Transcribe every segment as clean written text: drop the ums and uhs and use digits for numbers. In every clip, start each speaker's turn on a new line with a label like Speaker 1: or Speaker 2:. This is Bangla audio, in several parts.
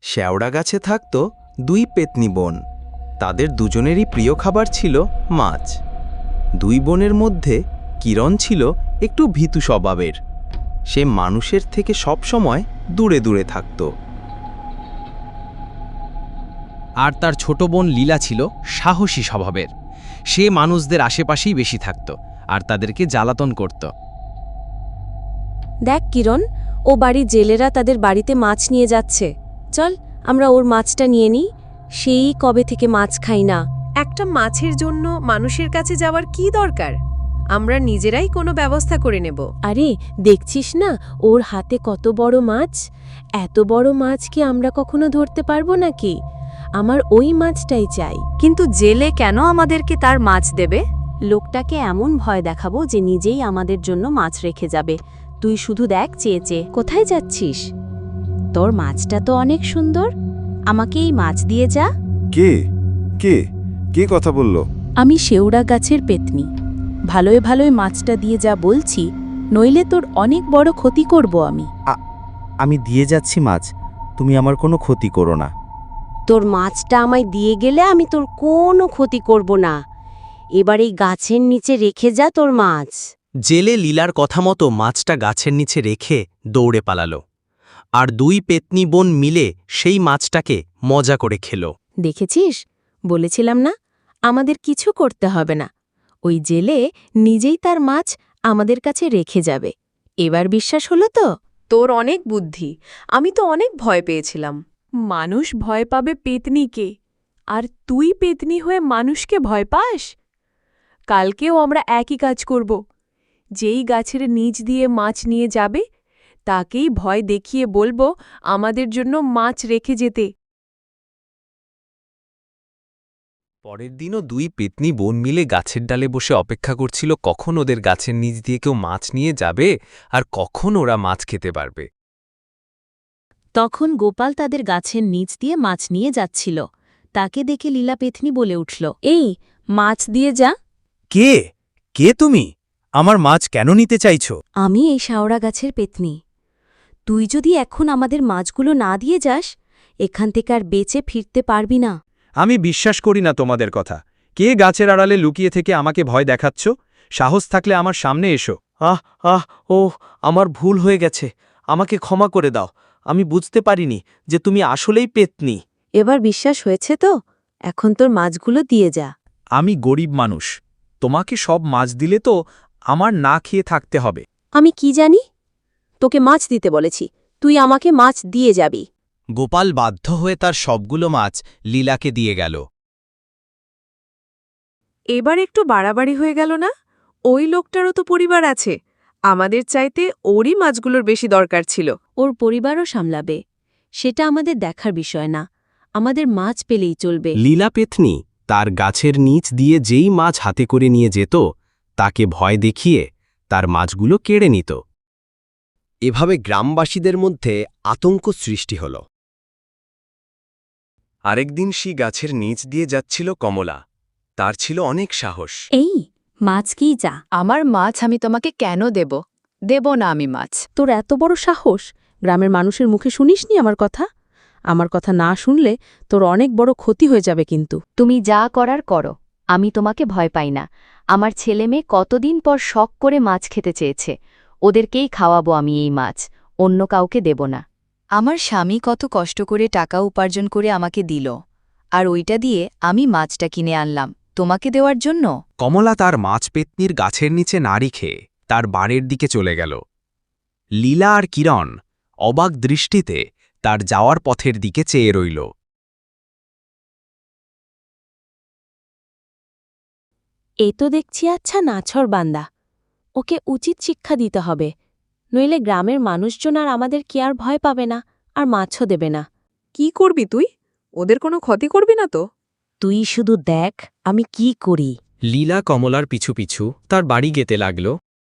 Speaker 1: শেওড়া গাছে থাকত দুই পেতনি বোন। তাদের দুজনেরই প্রিয় খাবার ছিল মাছ। দুই বোনের মধ্যে কিরণ ছিল একটু ভীতু স্বভাবের। সে মানুষের থেকে সবসময় দূরে দূরে থাকত।
Speaker 2: আর তার ছোট বোন লীলা ছিল সাহসী স্বভাবের। সে মানুষদের আশেপাশেই বেশি থাকত আর তাদেরকে জ্বালাতন করত।
Speaker 3: দেখ কিরণ, ও বাড়ির জেলেরা তাদের বাড়িতে মাছ নিয়ে যাচ্ছে। চল আমরা ওর মাছটা নিয়ে নিই। সেই কবে থেকে মাছ খাই না।
Speaker 4: একটা মাছের জন্য মানুষের কাছে যাওয়ার কি দরকার? আমরা নিজেরাই কোনো ব্যবস্থা করে নেব।
Speaker 3: আরে দেখছিস না ওর হাতে কত বড় মাছ। এত বড় মাছ কি আমরা কখনো ধরতে পারবো নাকি? আমার ওই মাছটাই চাই।
Speaker 5: কিন্তু জেলে কেন আমাদেরকে তার মাছ দেবে?
Speaker 3: লোকটাকে এমন ভয় দেখাবো যে নিজেই আমাদের জন্য মাছ রেখে যাবে। তুই শুধু দেখ চেয়ে চেয়ে। কোথায় যাচ্ছিস? তোর মাছটা তো অনেক সুন্দর, আমাকে এই মাছ দিয়ে যা।
Speaker 6: কে কে কে কথা বলল?
Speaker 3: আমি শেওড়া গাছের পেতনি। ভালোয় ভালোয় মাছটা দিয়ে যা বলছি, নইলে তোর অনেক বড় ক্ষতি করব আমি।
Speaker 7: আমি দিয়ে যাচ্ছি মাছ, তুমি আমার কোনো ক্ষতি করো না।
Speaker 3: তোর মাছটা আমায় দিয়ে গেলে আমি তোর কোনো ক্ষতি করব না। এবার এই গাছের নিচে রেখে যা তোর মাছ।
Speaker 1: জেলে লীলার কথা মতো মাছটা গাছের নিচে রেখে দৌড়ে পালালো। আর দুই পেতনি বোন মিলে সেই মাছটাকে মজা করে খেল।
Speaker 3: দেখেছিস, বলেছিলাম না আমাদের কিছু করতে হবে না। ওই জেলে নিজেই তার মাছ আমাদের কাছে রেখে যাবে। এবার বিশ্বাস হলো তো?
Speaker 4: তোর অনেক বুদ্ধি। আমি তো অনেক ভয় পেয়েছিলাম।
Speaker 8: মানুষ ভয় পাবে পেতনিকে, আর তুই পেতনি হয়ে মানুষকে ভয় পাস? কালকেও আমরা একই কাজ করব। যেই গাছের নিচ দিয়ে মাছ নিয়ে যাবে তাকেই ভয় দেখিয়ে বলবো আমাদের জন্য মাছ রেখে যেতে।
Speaker 2: পরের দিনও দুই পেতনি বোন মিলে গাছের ডালে বসে অপেক্ষা করছিল কখন ওদের গাছের নিচ দিয়ে কেউ মাছ নিয়ে যাবে আর কখন ওরা মাছ খেতে পারবে।
Speaker 3: তখন গোপাল তাদের গাছের নিচ দিয়ে মাছ নিয়ে যাচ্ছিল। তাকে দেখে লীলা পেতনি বলে উঠল, এই মাছ দিয়ে যা।
Speaker 7: কে কে তুমি? আমার মাছ কেন নিতে চাইছো?
Speaker 3: আমি এই শেওড়া গাছের পেতনি। তুই যদি এখন আমাদের মাছগুলো না দিয়ে যাস, এখান থেকে আর বেঁচে ফিরতে পারবি না।
Speaker 9: আমি বিশ্বাস করি না তোমাদের কথা। কে গাছের আড়ালে লুকিয়ে থেকে আমাকে ভয় দেখাচ্ছ? সাহস থাকলে আমার সামনে এসো।
Speaker 7: আমার ভুল হয়ে গেছে, আমাকে ক্ষমা করে দাও। আমি বুঝতে পারিনি যে তুমি আসলেই পেতনি।
Speaker 3: এবার বিশ্বাস হয়েছে তো? এখন তোর মাছগুলো দিয়ে যা।
Speaker 9: আমি গরিব মানুষ, তোমাকে সব মাছ দিলে তো আমার না খেয়ে থাকতে হবে।
Speaker 3: আমি কি জানি? তোকে মাছ দিতে বলেছি, তুই আমাকে মাছ দিয়ে যাবি।
Speaker 1: গোপাল বাধ্য হয়ে তার সবগুলো মাছ লীলাকে দিয়ে গেল।
Speaker 4: এবার একটু বাড়াবাড়ি হয়ে গেল না? ওই লোকটারও তো পরিবার আছে। আমাদের চাইতে ওরই মাছগুলোর বেশি দরকার ছিল।
Speaker 3: ওর পরিবারও সামলাবে, সেটা আমাদের দেখার বিষয় না। আমাদের মাছ পেলেই চলবে।
Speaker 1: লীলা পেতনি তার গাছের নিচ দিয়ে যেই মাছ হাতে করে নিয়ে যেত তাকে ভয় দেখিয়ে তার মাছগুলো কেড়ে নিত। এভাবে গ্রামবাসীদের মধ্যে আতঙ্ক সৃষ্টি হল। আরেকদিন সেই গাছের নিচ দিয়ে যাচ্ছিল কমলা। তার ছিল অনেক সাহস।
Speaker 3: এই মাছ কি যা?
Speaker 5: আমার মাছ আমি তোমাকে কেন দেব? দেব না আমি মাছ।
Speaker 3: তোর এত বড় সাহস! গ্রামের মানুষের মুখে শুনিসনি আমার কথা? আমার কথা না শুনলে তোর অনেক বড় ক্ষতি হয়ে যাবে কিন্তু।
Speaker 5: তুমি যা করার করো, আমি তোমাকে ভয় পাই না। আমার ছেলেমেয়ে কতদিন পর শখ করে মাছ খেতে চেয়েছে, ওদেরকেই খাওয়াবো আমি এই মাছ, অন্য কাউকে দেব না। আমার স্বামী কত কষ্ট করে টাকা উপার্জন করে আমাকে দিল, আর ওইটা দিয়ে আমি মাছটা কিনে আনলাম তোমাকে দেওয়ার জন্য।
Speaker 2: কমলা তার মাছ পেতনির গাছের নিচে না রেখে তার বাড়ির দিকে চলে গেল। লীলা আর কিরণ অবাক দৃষ্টিতে তার যাওয়ার পথের দিকে চেয়ে রইল।
Speaker 3: এ তো দেখছি আচ্ছা নাছর বান্দা। ওকে উচিত শিক্ষা দিতে হবে, নইলে গ্রামের মানুষজন আর আমাদের কি আর ভয় পাবে না, আর মাছও দেবে না।
Speaker 4: কি করবি তুই? ওদের কোনো ক্ষতি করবি না তো?
Speaker 3: তুই শুধু দেখ আমি কি করি।
Speaker 2: লীলা কমলার পিছু পিছু তার বাড়ি যেতে লাগল।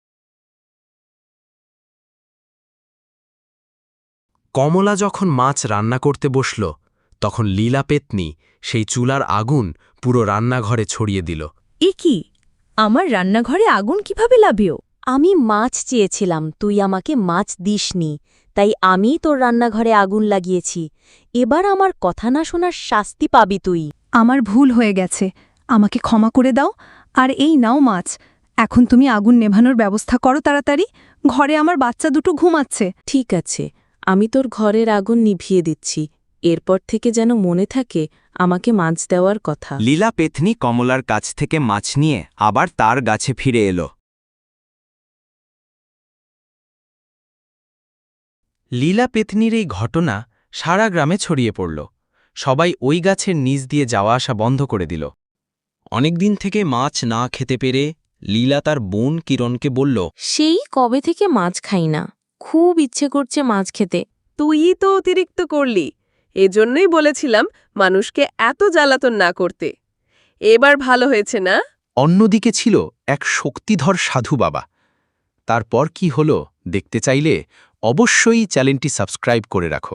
Speaker 2: কমলা যখন মাছ রান্না করতে বসল, তখন লীলা পেতনি সেই চুলার আগুন পুরো রান্নাঘরে ছড়িয়ে দিল।
Speaker 8: এ কি? আমার রান্নাঘরে আগুন কিভাবে লাভিও?
Speaker 3: আমি মাছ চেয়েছিলাম, তুই আমাকে মাছ দিসনি, তাই আমিই তোর রান্নাঘরে আগুন লাগিয়েছি। এবার আমার কথা না শোনার শাস্তি পাবি তুই।
Speaker 10: আমার ভুল হয়ে গেছে, আমাকে ক্ষমা করে দাও। আর এই নাও মাছ, এখন তুমি আগুন নেভানোর ব্যবস্থা করো তাড়াতাড়ি, ঘরে আমার বাচ্চা দুটো ঘুমাচ্ছে।
Speaker 8: ঠিক আছে, আমি তোর ঘরের আগুন নিভিয়ে দিচ্ছি। এরপর থেকে যেন মনে থাকে আমাকে মাছ দেওয়ার কথা।
Speaker 2: লীলা পেতনি কমলার কাছ থেকে মাছ নিয়ে আবার তার গাছে ফিরে এলো।
Speaker 1: লীলা পেতনির এই ঘটনা সারা গ্রামে ছড়িয়ে পড়ল। সবাই ওই গাছের নিচ দিয়ে যাওয়া আসা বন্ধ করে দিল। অনেকদিন থেকে মাছ না খেতে পেরে লীলা তার বোন কিরণকে বলল,
Speaker 8: সেই কবে থেকে মাছ খাই না, খুব ইচ্ছে করছে মাছ খেতে।
Speaker 4: তুইই তো অতিরিক্ত করলি, এজন্যই বলেছিলাম মানুষকে এত জ্বালাতন না করতে। এবার ভালো হয়েছে না?
Speaker 2: অন্যদিকে ছিল এক শক্তিধর সাধু বাবা। তারপর কি হলো দেখতে চাইলে অবশ্যই চ্যানেলটি সাবস্ক্রাইব করে রাখো।